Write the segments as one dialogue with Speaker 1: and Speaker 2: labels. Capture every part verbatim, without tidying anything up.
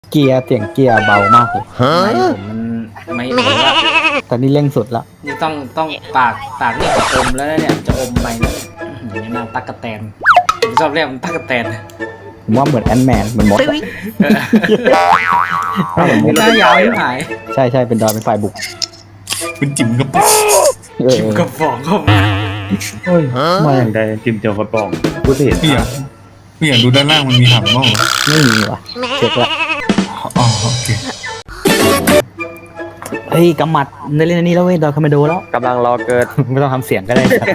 Speaker 1: เกียร์เสียงเกียร์เบามากเลย
Speaker 2: ไม่ผมมันไม่ผมว่า
Speaker 1: แต่นี่เร่งสุดแล้ว
Speaker 2: นี่ต้องต้องปากปากนี่จะอมแล้วนะเนี่ยจะอมไปแล้วเนี่ยนางตั๊กแตนผมชอบเรียกมันตั๊กแตน
Speaker 1: ผมว่าเหมือนแอนแมนเหมือนมดอะ
Speaker 2: หน้ายาวไม่หาย
Speaker 1: ใช่ใช่เป็นดอยเป็นฝ่ายบุก
Speaker 3: คุณจิ๋มกับป๊อก
Speaker 1: เออ
Speaker 2: กิมกับฟองเข้ามา
Speaker 4: เฮ้ยมาอย่างใดจิมเจียวกระป๋องกูเห็น
Speaker 3: พี่อยากพี่อยากดูด้านล่างมันมีถังบ้างเหรอ
Speaker 1: ไม่มีว่ะเช็คละ
Speaker 3: อ๋อโอเค
Speaker 1: เฮ้ยกำมัดได้เล่นอันนี้แล้วเว้ยดอยคาเมโดแล้ว
Speaker 4: กำลังรอเกิด
Speaker 1: ไม่ต้องทำเสียงก็ได้ครับ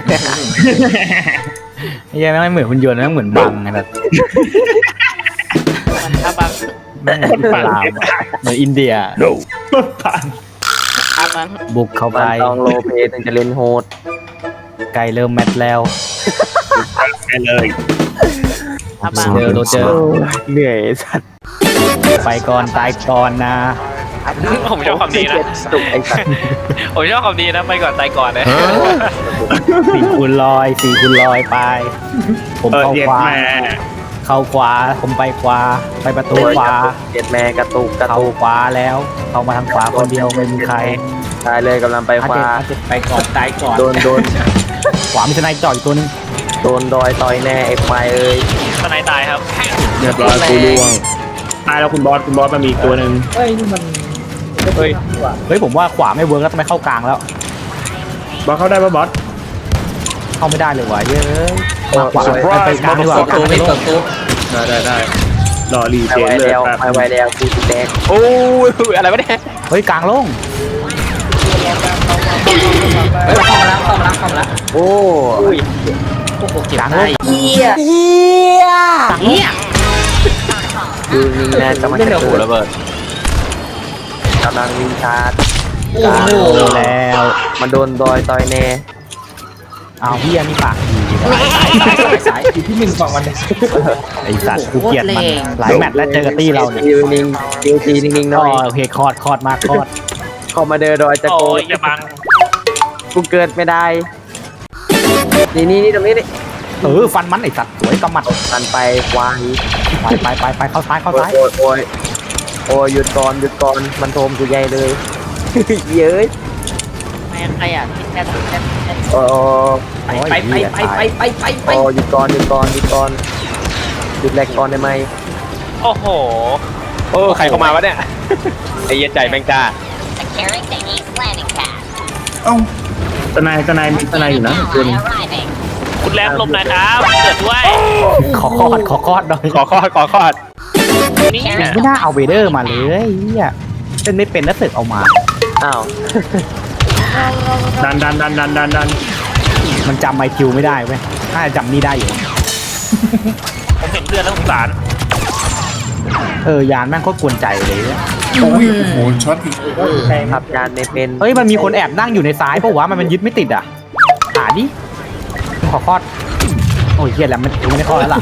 Speaker 1: ไอ้ยังไม่เหมือนหุ่นยนต์นะเหมือนบังไงแบบ
Speaker 5: ถ้าบาง
Speaker 1: ไม่เหมือนอิสลามอะเหมือนอินเดีย
Speaker 5: ถ้าบาง
Speaker 1: บุกเข้าไป
Speaker 4: มันต้องโลเพถึงจะเล่นโหด
Speaker 1: ไกลเริ่มแมตช์แล้ว
Speaker 4: ไปเลย
Speaker 5: ถ้าบาง
Speaker 1: เจอโรเจอร์
Speaker 4: เหนื่อยสัตว์
Speaker 1: ไปก่อนตายก่อนนะ
Speaker 5: ผมชอบความดีนะ
Speaker 4: จุกไอ้สัตว์
Speaker 5: ผมชอบความดีนะไปก่อนตายก่อนนะ
Speaker 1: สี่คูณลอยสี่คูณลอยไป ผมเข้าขวาเข้าขวาผมไปขวาไปประตูขวา
Speaker 4: เจ็ดแม่กระตุกกระ
Speaker 1: เข้า
Speaker 4: ตุก
Speaker 1: ขวาแล้ว เข้ามาทางขวาคนเดียวไม่มีใคร
Speaker 4: ตายเลยกำลังไปขวา
Speaker 1: อาเจ็ด
Speaker 2: ไปก่อนตายก่อน
Speaker 4: โดนโดน
Speaker 1: ขวามีทนายจ่ออยู่ตัวนึง
Speaker 4: โดนดอยต่อยแน่ไอ้ควายเอ้ย
Speaker 5: ทนายตายครับ
Speaker 4: เรียบร้อยกูล่วง
Speaker 6: ตายแล้วคุณบอสคุณบอสมันมีอีกตัวหนึ่ง
Speaker 1: เฮ้ยเฮ้ยผมว่าขวาไม่เวิร์กแล้วทำไมเข้ากลางแล้ว
Speaker 6: บอสเข้าได้ปะบอส
Speaker 1: เข้าไม่ได้เลยว่ะเย้ยมาขวาไปกลางดีกว่า
Speaker 2: เปิด
Speaker 1: กลาง
Speaker 2: ตู้
Speaker 1: ไม่
Speaker 2: ไม่
Speaker 1: ล
Speaker 2: เปิ
Speaker 1: ง
Speaker 2: ดตู้
Speaker 6: ได้ได้ได้รอรี
Speaker 4: ไป
Speaker 6: เจน
Speaker 4: ไว
Speaker 6: เลย
Speaker 4: แล้ว
Speaker 6: แป๊บ
Speaker 4: ไปไวแล้วกูจะแดก
Speaker 5: โอ้ยอะไรวะเนี่ย
Speaker 1: เฮ้ยกลางลง
Speaker 2: เฮ้ยเข้ามาแล้วเข้ามาแล้วเข้ามาแล้ว
Speaker 4: โอ้
Speaker 2: โอ้โหเก็บ
Speaker 1: กลางล
Speaker 2: ได้
Speaker 1: ง
Speaker 4: ดูนี่นะกำลังจะถูระเบิดกำลังวิ่งชาร์จ
Speaker 2: โอ้โห
Speaker 1: แล้ว
Speaker 4: มันโดนดอยต่อยแน่
Speaker 1: อ้าวเฮียนี่ปากดี
Speaker 2: สายสายสายสายอยู่ที่หนึ่งฝั่งวันเดียว
Speaker 1: ไอสัตว์กูเกลียดมันหลายแมตช์แล้วเจอกับตี้เราเนี่ย
Speaker 4: คิวนิ่งคิวทีนิ่งๆห
Speaker 1: ก็
Speaker 4: น่อย
Speaker 1: โอเคคอดคอดมากคอด
Speaker 4: เข้ามาเดินดอยจะ
Speaker 5: โอ้
Speaker 4: โก
Speaker 5: ยอย่าบัง
Speaker 4: กูเกิดไม่ได้ นี่นี่นี่ตรงนี้นี่
Speaker 1: เออฟันมันไอสัตว์สวยกำมัด
Speaker 4: มันไปควาย
Speaker 1: ไปไปไปไปเข้าซ้ายเข้า
Speaker 4: โอ้
Speaker 1: ซ้าย
Speaker 4: ยโอ้ยโอ้ยโอ้ยหยุดก่อนหยุดก่อนมันโทมกูใหญ่เลย เย้ย
Speaker 5: ไม่ใครอ่ะที่แค่แค่แค่
Speaker 4: โอ้ย
Speaker 2: ไปไปไปไปไปไปไป
Speaker 4: โอ้ยหยุดก่อนหยุดก่อนหยุดก่อนหยุดแรกก่อนได้ไหม
Speaker 5: โอ้โห
Speaker 7: โอ้ใครเข้ามาวะเนี่ย ไอ้เหี้ย็นใจแมงจ้า
Speaker 8: Securing the East Landing Pad.
Speaker 3: เอ้า
Speaker 6: ทนายทนายมีทนายอยู่นะตัวหนึง
Speaker 8: Arriving.
Speaker 5: คุณแรมลมหนะครับเกิดด้วย
Speaker 1: ขอคอดขอคอดหน่อย
Speaker 7: ขอคอดขอคอด
Speaker 5: นี่
Speaker 1: ไม่น่าเอาเวเดอร์มาเลยเฮียเล่นไม่เป็นแล้วเสึกเอามา
Speaker 4: อ้าว
Speaker 6: ดันดันดันดันดันดัน
Speaker 1: มันจำไมคิวไม่ได้เว้ยน่าจะจำนี่ได้อยู่
Speaker 5: ผมเห็นเลือดแล้วสงสาร
Speaker 1: เออยานแม่งโคตรกวนใจเลยเนี่ย
Speaker 3: โอ้ยโอ้โหช็อตอีก
Speaker 4: ขับจานไม่เป็น
Speaker 1: เฮ้ยมันมีคนแอบนั่งอยู่ในซ้ายเพราะว่ามันมันยึดไม่ติดอ่ะหาดิขอคอดโอ้ยเฮียแล้วมันไม่ได้คอดแล้วล่ะ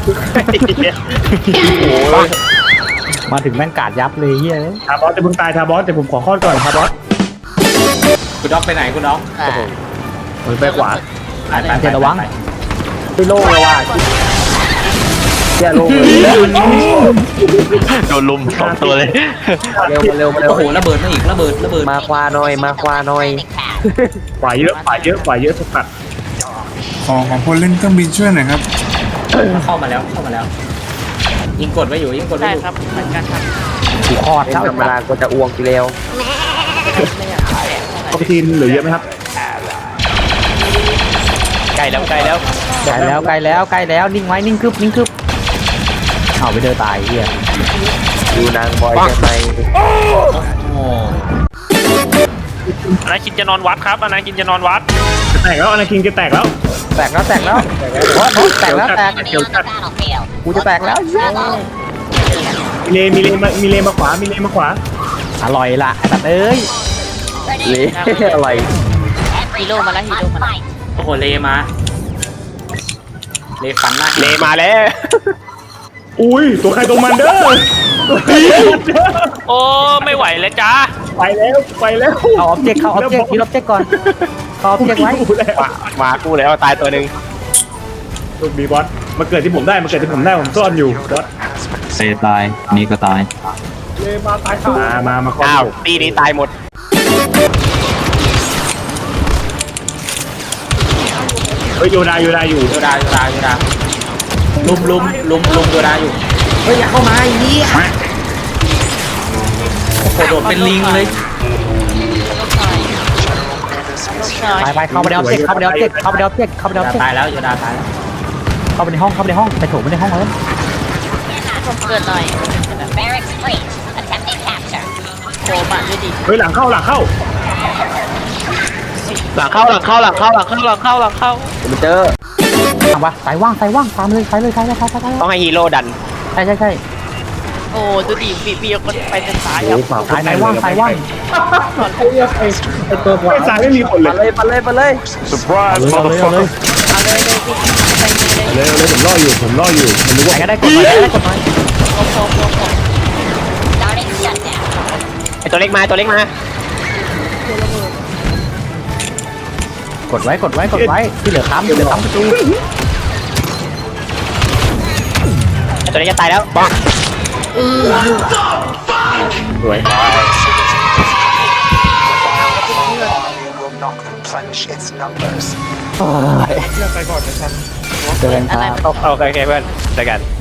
Speaker 1: มาถึงแม่งกาดยับเลยเฮีย
Speaker 6: ทาบอสจะเพิ่งตายทาบอสแต่ผมขอข้อก่อนทาบอส
Speaker 2: คุณด็อกไปไหนคุณด็อก
Speaker 6: ผมไปขวา
Speaker 2: ไปไป
Speaker 1: เจนระวัง
Speaker 4: ไปโล่งเลยว่ะเจ้าโล่งเลย
Speaker 7: โดนลุมสองตัวเลย
Speaker 4: เร็วมาเร็วมาเร็ว
Speaker 2: โอ้โหระเบิดมาอีกระเบิดระเบิด
Speaker 4: มาควาหน่อยมาควาหน่อย
Speaker 6: ขวาเยอะขวาเยอะขวาเยอะสกัด
Speaker 3: ขอของคนเล่นเครื่องบินช่วยหน่อยครับ
Speaker 2: เข้ามาแล้วเข้ามาแล้ว ยิงกดไว้อยู่ยิงกดไว้
Speaker 5: ได้
Speaker 2: อยู่
Speaker 5: ครับเหมือนกันครับ
Speaker 1: กูคอด
Speaker 4: เป็น
Speaker 1: เท่า
Speaker 4: ธรรมดาก็จะอ้วกทีเร็ว
Speaker 6: ปกติเหลือเยอะไหมครับ
Speaker 5: ไกลแล้วไกลแล้ว
Speaker 1: ใกล้แล้วใกล้แล้วใกล้แล้วนิ่งไว้นิ่งคึบนิ่งคึบเอาไปเดินตายเฮีย
Speaker 4: ดูนางบอยใช่ไหม
Speaker 2: โอ้
Speaker 5: อนาคินจะนอนวัดครับอนาคินจะนอนวัด
Speaker 6: จะแตกแล้วอนาคินจะแตกแล้ว
Speaker 1: แตกแล้วแตกแล้วโอ๊ยแตกแล้วแตก
Speaker 8: Enemy on the battlefield.
Speaker 1: กูจะแตกแล้ว
Speaker 6: มีเลมีเลมามีเลมาขวามีเลมาขวา
Speaker 1: อร่อยละไอ้สัตว์เอ้ย
Speaker 4: เละอะไร
Speaker 8: Every
Speaker 5: Hilo mà lá,
Speaker 8: must
Speaker 5: hilo mà lá.
Speaker 8: fight.
Speaker 2: โอ้โหเลมา เลฟันหน้า
Speaker 7: เลมาแล้ว
Speaker 6: อุ้ยตัวใครตัวมันเด้อตัวใครตัวมันเด้อ
Speaker 5: โอ้ไม่ไหวแล้วจ้า
Speaker 6: ไปแล้วไปแล้ว
Speaker 1: เอาออบเจกต์เข้าออบเจกต์ยึดออบเจกต์ก่อนเข้าออบเจกต์ไว้
Speaker 6: กูแล้ว
Speaker 7: มามากูแล้วตายตัวหนึ่ง
Speaker 6: ลูกบีบอสมาเกิดที่ผมได้มาเกิดที่ผมได้ผมซ่อนอยู่บอส
Speaker 9: เซตายอันนี้ก็ตาย
Speaker 6: มาตายมามามา
Speaker 7: อ้าวตีนี้ตายหมด
Speaker 6: เฮ้ยโยดาโยดาอยู่
Speaker 2: โยดาโยดาโยดาลุมลุมลุมลุมโยดาอยู่เฮ้ยอย่าเข้ามาไอ้นี่โอ้โหโดดเป็นลิงเลย
Speaker 1: ไปไปเข้าไปในออบเจกต์เข้าไปในออบเจกต์เข้าไปในออบเจกต์เข้าไปในออบเจกต์
Speaker 2: ตายแล้วโยดาตายแล้ว
Speaker 1: เข้าไปในห้องเข้าไปในห้องไปโถมไปในห้องแล้ว
Speaker 8: เกิดหน่อย The barracks breach. Attempting capture.
Speaker 9: โผล่มาด้วยดิ
Speaker 6: เฮ้ยหลังเข้าหลังเข้า
Speaker 7: หลังเข้าหลังเข้าหลังเข้าหลังเข้าหลังเข้าหลังเข้ามันเจอ
Speaker 1: ทำปะสายว่างสายว่างตามเลยสายเลยสายเลยสายสายสาย
Speaker 7: ต้องให้ฮีโร่ดัน
Speaker 1: ใช่ใช่ใช่
Speaker 9: โอ้ดูดิปีปีมันไปทางซ้าย
Speaker 6: โอ้
Speaker 9: อ่ะ
Speaker 6: ฝาก
Speaker 1: สายไหนว่างสายว่าง
Speaker 6: ไอ้ตัวขวาไอ้สายไม่มีคนเลย
Speaker 4: มาเลยมาเลยมาเลย
Speaker 1: เอาเลยเอาเลยเอาเลย
Speaker 9: เอาเลยเลยพี่ไปเลยเลย
Speaker 6: เลยเลยผมล่ออยู่ผมล่ออยู่ผมรู้
Speaker 1: ไหน
Speaker 6: ว่า
Speaker 1: ก็ได้กดหน่อยได้กดหน่อย
Speaker 9: โอ้โหโอ้โห
Speaker 8: Starting shutdown.
Speaker 7: ไอตัวเล็กมาตัวเล็กมาก
Speaker 1: ดไว้กดไว้กดไว้ที่เหลือค้ำที่เหลือค้ำประตู
Speaker 7: ไอตัวเล็กจะตายแล้วปัง
Speaker 6: สวย
Speaker 1: เจอกันครับ
Speaker 7: โอเคโอเคเพื่อนเจอกัน